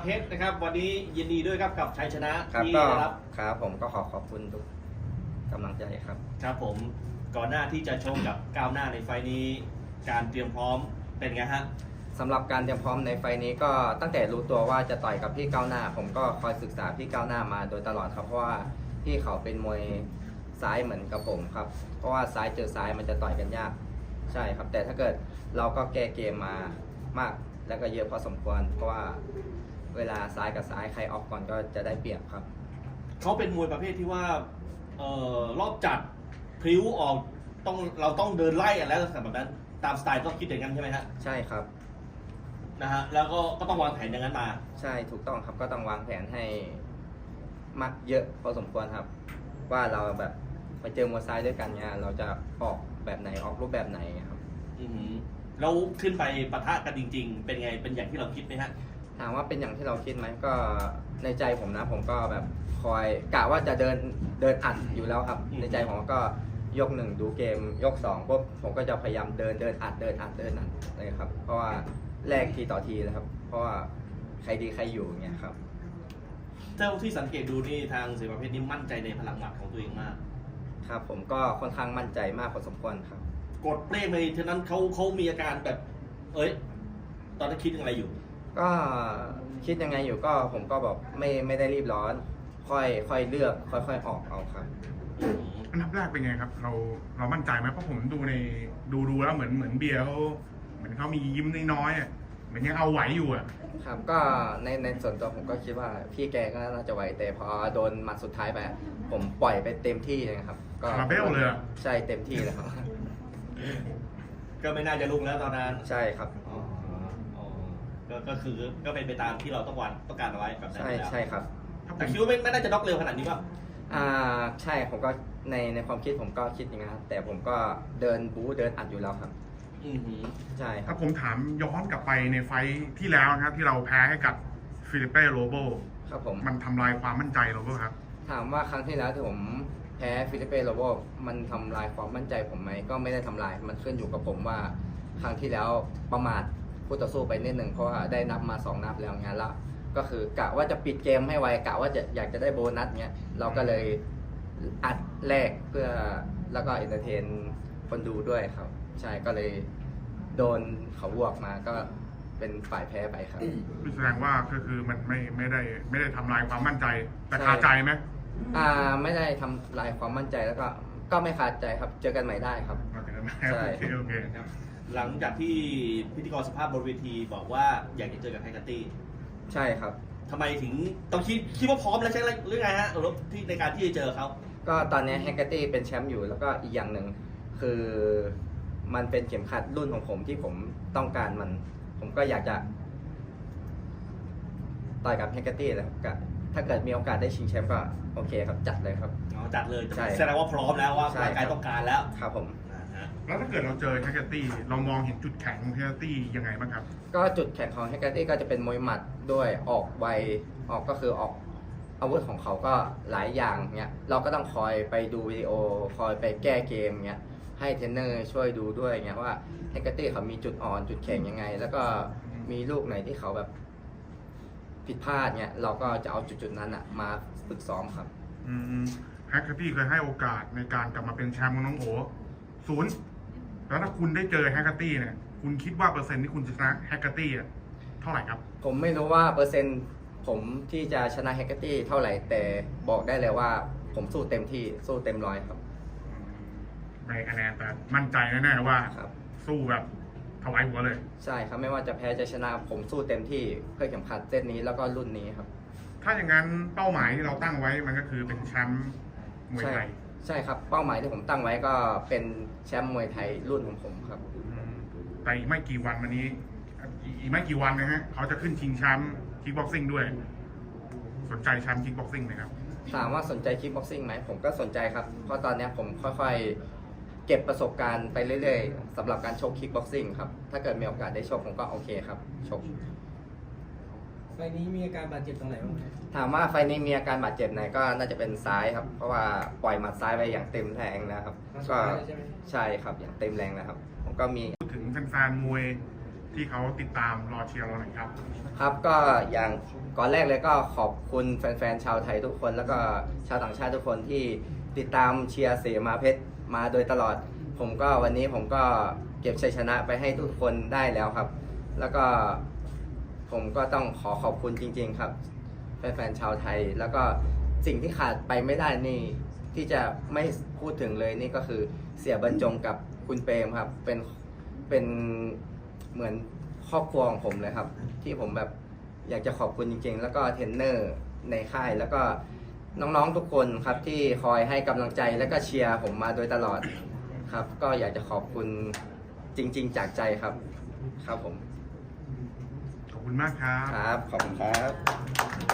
เพชรนะครับวันนี้ยินดีด้วยครับกับชัยชนะครับ ที่ก็ได้รับครับผมก็ขอบคุณทุกกำลังใจครับครับผมก่อนหน้าที่จะชกกับก้าวหน้าในไฟล์นี้การเตรียมพร้อมเป็นไงฮะสำหรับการเตรียมพร้อมในไฟล์นี้ก็ตั้งแต่รู้ตัวว่าจะต่อยกับพี่ก้าวหน้า ผมก็คอยศึกษาพี่ก้าวหน้ามาโดยตลอดครับเพราะว่าพี่เขาเป็นมวยซ้ายเหมือนกับผมครับเพราะว่าซ้ายเจอซ้ายมันจะต่อยกันยากใช่ครับแต่ถ้าเกิดเราก็แก้เกมมามากแล้วก็เยอะพอสมควรเพราะว่าเวลาซ้ายกับซ้ายใครออกก่อนก็จะได้เปรียบครับเขาเป็นมวยประเภทที่ว่ารอบจัดพลิ้วออกเราต้องเดินไล่กันแล้วแบบนั้นตามสไตล์ต้องคิดอย่างนั้นใช่ไหมฮะใช่ครับนะฮะแล้วก็ต้องวางแผนอย่างนั้นมาใช่ถูกต้องครับก็ต้องวางแผนให้มากเยอะพอสมควรครับ ว่าเราแบบไปเจอมวยซ้ายด้วยกันเนี่ยเราจะออกแบบไหนออกรูปแบบไหนครับอือหือเราขึ้นไปปะทะกันจริง ๆ เป็นไงเป็นอย่างที่เราคิดไหมฮะถามว่าเป็นอย่างที่เราคิดไหมก็ในใจผมนะผมก็แบบคอยกะว่าจะเดินอัดอยู่แล้วครับ ในใจผมก็ยกหนึ่งดูเกมยกสองปุ๊บผมก็จะพยายามเดินอัดเลยครับเพราะว่าแลกทีต่อทีนะครับ เพราะว่าใครดีใครอยู่เงี้ยครับเท่าที่สังเกตดูนี่ทางเสือประเภทนี้มั่นใจในพลังหมัดของตัวเองมากครับผมก็ค่อนข้างมั่นใจมากพอสมควรครับกดเปรี้ยงไปฉะนั้นเขามีอาการแบบ เอ้ย ตอนนั้นคิดอะไรอยู่ก็คิดยังไงอยู่ก็ผมก็บอกไม่ได้รีบร้อน ค่อยเลือกค่อยออกเอาครับอันดับแรกเป็นไงครับ เรามั่นใจไหมเพราะผมดูในดูแล้วเหมือนเบียร์เขาเหมือนเขามียิ้มน้อยๆอ่ะเหมือนยังเอาไหวอยู่อ่ะครับก็ในส่วนตัวผมก็คิดว่าพี่แกก็น่าจะไหวแต่พอโดนหมัดสุดท้ายไปผมปล่อยไปเต็มที่เลยครับก็คาราเบลเลยอะใช่เต็มที่เลยครับก็ไม่น่าจะลุกแล้วตอนนั้นใช่ครับอ๋อก็คือก็เป็นไปตามที่เราต้องการเอาไว้แบบนั้นใช่แล้วใช่ครับแต่คิดว่าไม่น่าจะน็อกเร็วขนาดนี้ป่ะใช่ผมก็ในความคิดผมก็คิดอย่างนั้นครับแต่ผมก็เดินบู๊เดินอัดอยู่แล้วครับอือหือใช่ครัถ้าบผมถามย้อนกลับไปในไฟท์ที่แล้วนะครับที่เราแพ้ให้กับฟิลิปเป้โรโบครับผมมันทำลายความมั่นใจเราเปล่าครับถามว่าครั้งที่แล้วที่ผมแพ้ฟิลิปเป้โรโบมันทำลายความมั่นใจผมไหมก็ไม่ได้ทำลายมันขึ้นอยู่กับผมว่าครั้งที่แล้วประมาทคู่ต่อสู้ไปนิดหนึ่งเพราะว่าได้นับมา2 นับแล้วงานละก็คือกะว่าจะปิดเกมให้ไวกะว่าจะอยากจะได้โบนัสเงี้ยเราก็เลยอัดแรกเพื่อแล้วก็เอนเตอร์เทนคนดูด้วยครับ ใช่ก็เลยโดนเขาบวกมาก็เป็นฝ่ายแพ้ไปครับแสดงว่าก็คือมันไม่ได้ทำลายความมั่นใจแต่คาใจไหมไม่ได้ทำลายความมั่นใจแล้วก็ไม่ขาดใจครับเจอกันใหม่ได้ครับโอเคใช่โอเคครับหลังจากที่พิธีกรสภาพบนเวทีบอกว่าอยากจะเจอกับไฮกัตตี้ใช่ครับทำไมถึงต้องคิดว่าพร้อมแล้วใช่หรือไงฮะที่ในการที่จะเจอเขาก็ตอนนี้แฮกเกอร์ตี้เป็นแชมป์อยู่แล้วก็อีกอย่างหนึ่งคือมันเป็นเข็มขัดรุ่นของผมที่ผมต้องการมัน ผมก็อยากจะต่อยกับแฮกเกอร์ตี้แล้วก็ถ้าเกิดมีโอกาสได้ชิงแชมป์ก็โอเคครับจัดเลยครับอ๋อจัดเลยใช่แสดงว่าพร้อมแล้วว่าใช่ร่างกายต้องการแล้วครับผมฮะแล้วถ้าเกิดเราเจอแฮกเกอร์ตี้เรามองเห็นจุดแข็งของแฮกเกอร์ตี้ยังไงบ้างครับก็จุดแข็งของแฮกเกอร์ตี้ก็จะเป็นมวยหมัดด้วยออกไวก็คือออกอาวุธของเขาก็หลายอย่างเนี้ยเราก็ต้องคอยไปดูวิดีโอคอยไปแก้เกมเนี้ยให้เทรนเนอร์ช่วยดูด้วยเงี้ยว่าแฮกเกอร์ตี้เขามีจุดอ่อนจุดแข็งยังไง แล้วก็มีลูกไหนที่เขาแบบผิดพลาดเนี้ยเราก็จะเอาจุดนั้นอะมาฝึกซ้อมครับแฮกเกอร์ตี้เคยให้โอกาสในการกลับมาเป็นแชมป์ของน้องโอ0แล้วถ้าคุณได้เจอแฮกเกอร์ตี้เนี่ยคุณคิดว่าเปอร์เซ็นต์ที่คุณจะชนะแฮกเกอร์ตี้อะเท่าไหร่ครับผมไม่รู้ว่าเปอร์เซ็นต์ผมที่จะชนะแฮกเกอร์ตี้เท่าไหร่แต่บอกได้เลยว่าผมสู้เต็มที่สู้เต็มร้อยครับไม่คะแนนแต่มั่นใจแน่ๆว่าครับสู้แบบถวายหัวเลยใช่ครับไม่ว่าจะแพ้จะชนะผมสู้เต็มที่เพื่อเข็มขัดเส้นนี้แล้วก็รุ่นนี้ครับถ้าอย่างนั้นเป้าหมายที่เราตั้งไว้มันก็คือเป็นแชมป์มวยใช่ไทยใช่ครับเป้าหมายที่ผมตั้งไว้ก็เป็นแชมป์มวยไทยรุ่นของผมครับแต่อีกไม่กี่วันวันนี้อีกไม่กี่วันนะฮะเขาจะขึ้นชิงแชมป์คิกบ็อกซิ่งด้วย สนใจแชมป์คิกบ็อกซิ่งไหมครับถามว่าสนใจคิกบ็อกซิ่งไหมผมก็สนใจครับเพราะตอนนี้ผมค่อยๆเก็บประสบการณ์ไปเรื่อยๆสำหรับการชกคิกบ็อกซิ่งครับถ้าเกิดมีโอกาสได้ชกผมก็โอเคครับชกไฟล์นี้มีอาการบาดเจ็บตรงไหนบ้างครับถามว่าไฟล์นี้มีอาการบาดเจ็บไหนก็น่าจะเป็นซ้ายครับเพราะว่าปล่อยหมัดซ้ายไปอย่างเต็มแรงนะครับครั้งสุดก็ท้ายเลยใช่ไหมใช่ครับอย่างเต็มแรงนะครับผมก็มีพูดถึงแฟนๆมวยที่เขาติดตามรอเชียร์เราหน่อยครับครับก็อย่างก่อนแรกเลยก็ขอบคุณแฟนๆชาวไทยทุกคน แล้วก็ชาวต่างชาติทุกคนที่ติดตามเชียร์เสมาเพชรมาโดยตลอดวันนี้ผมก็เก็บชัยชนะไปให้ทุกคนได้แล้วครับ แล้วก็ผมก็ต้องขอบคุณจริงๆครับแฟนๆชาวไทย แล้วก็สิ่งที่ขาดไปไม่ได้นี่ที่จะไม่พูดถึงเลยนี่ก็คือเสียบรรจงกับคุณเปรมครับเป็นเหมือนครอบครัวของผมเลยครับ ที่ผมแบบอยากจะขอบคุณจริงๆ แล้วก็เทรนเนอร์ในค่ายแล้วก็น้องๆทุกคนครับที่คอยให้กำลังใจและก็เชียร์ผมมาโดยตลอดครับ ก็อยากจะขอบคุณจริงๆจากใจครับครับผมขอบคุณมากครับครับขอบคุณครับ